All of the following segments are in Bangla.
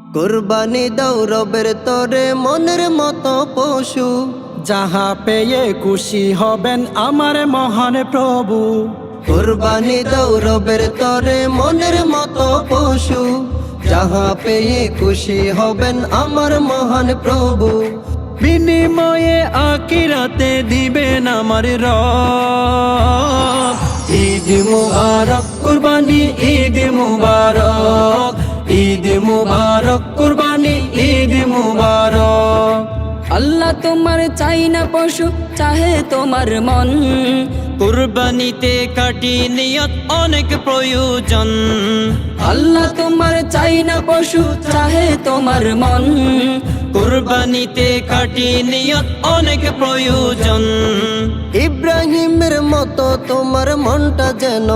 কুরবানি দাও রবের তরে মনের মতো পশু, যাহা পেয়ে খুশি হবেন আমার মহান প্রভু। কুরবানি দাও রবের তরে মনের মতো পশু, যাহা পেয়ে খুশি হবেন আমার মহান প্রভু। বিনিময়ে আখিরাতে দিবেন আমার রব। ঈদ মুবারক কুরবানি ঈদ মুবারক, ঈদ মুবারক কুরবানি ঈদ মুবারক। আল্লাহ তোমার চাই না পশু, চাহে তোমার মন। কুরবানিতে কাটি নিয়ত অনেক প্রয়োজন। আল্লাহ তোমার চাই না পশু, চাহে তোমার মন। কুরবানিতে কাটি নিয়ত অনেক প্রয়োজন। ইব্রাহিমের মতো তোমার মনটা যেন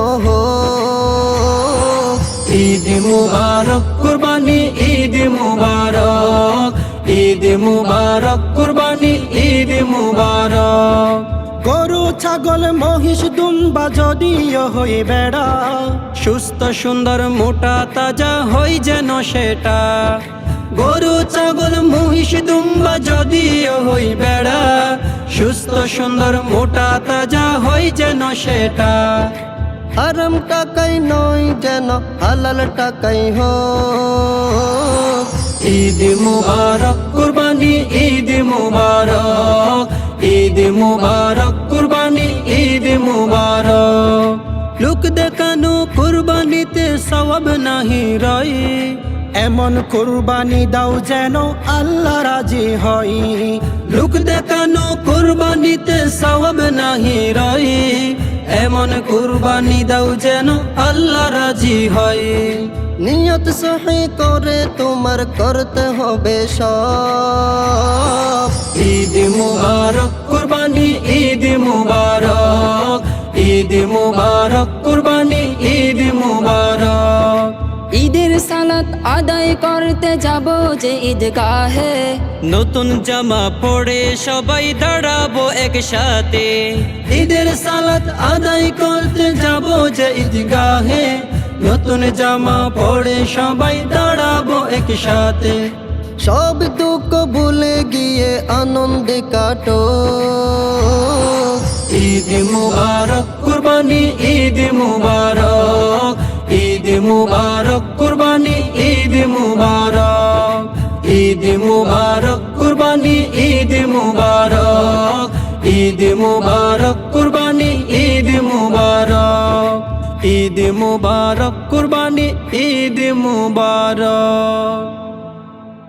হোক। ঈদ মুবারক কুরবানি ঈদ মুবারক, ঈদ মুবারক কুরবানি ঈদ মুবারক। গরু ছাগল মহিষ দুম্বা যদিও হই বেড়া, সুস্থ সুন্দর মোটা তাজা হই যেন সেটা। গরু ছাগল মহিষ দুম্বা যদিও হই বেড়া, সুস্থ সুন্দর মোটা তাজা হই যেন সেটা। হারাম টাকাই নয় যেন হালাল টাকাই হোক। ঈদ মুবারক কুরবানি ঈদ মুবারক, ঈদ মুবারক কুরবানি ঈদ মুবারক। লোক দেখানো কুরবানিতে সওয়াব নাহি রয়, এমন কুরবানি দাও যেন আল্লাহ রাজি হয়। লোক দেখানো কুরবানিতে সওয়াব নাহি রয়, এমন কুরবানি দাও যেন আল্লাহ রাজি হয়। নিয়ত সহি করে তোমার করতে হবে সব। ঈদ মুবারক কুরবানি ঈদ মুবারক, ঈদ মুবারক কুরবানি ঈদ মুবারক। ঈদের সালাত আদায় করতে যাব যে ঈদগাহে, নতুন জামা পরে সবাই দাঁড়াবো একসাথে। ঈদের সালাত আদায় করতে যাব যে ঈদগাহে, নতুন জামা পরে সবাই দাঁড়াবো একসাথে। সব দুঃখ ভুলে গিয়ে আনন্দে কাটো। ঈদ মুবারক কুরবানি ঈদ মুবারক, ঈদ মুবারক কুরবানি ঈদ মুবারক। ঈদ মুবারক কুরবানি ঈদ মুবারক, ঈদ মুবারক কুরবানি ঈদ মুবারক। ঈদ মুবারক কুরবানি ঈদ মুবারক।